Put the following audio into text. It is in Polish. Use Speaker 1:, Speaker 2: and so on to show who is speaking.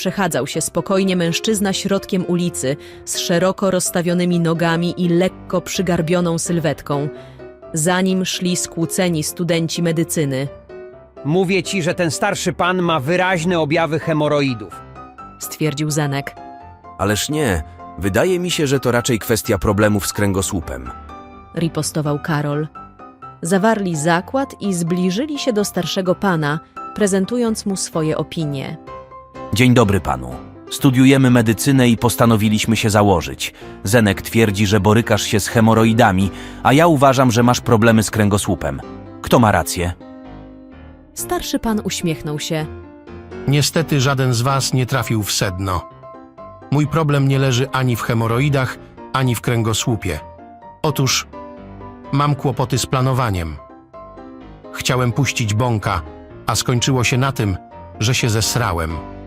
Speaker 1: przechadzał się spokojnie mężczyzna środkiem ulicy z szeroko rozstawionymi nogami i lekko przygarbioną sylwetką. Za nim szli skłóceni studenci medycyny.
Speaker 2: Mówię ci, że ten starszy pan ma wyraźne objawy hemoroidów.
Speaker 1: Stwierdził Zenek.
Speaker 3: Ależ nie, wydaje mi się, że to raczej kwestia problemów z kręgosłupem.
Speaker 1: Ripostował Karol. Zawarli zakład i zbliżyli się do starszego pana, prezentując mu swoje opinie.
Speaker 3: Dzień dobry panu. Studiujemy medycynę i postanowiliśmy się założyć. Zenek twierdzi, że borykasz się z hemoroidami, a ja uważam, że masz problemy z kręgosłupem. Kto ma rację?
Speaker 1: Starszy pan uśmiechnął się.
Speaker 4: Niestety żaden z was nie trafił w sedno. Mój problem nie leży ani w hemoroidach, ani w kręgosłupie. Otóż mam kłopoty z planowaniem. Chciałem puścić bąka, a skończyło się na tym, że się zesrałem.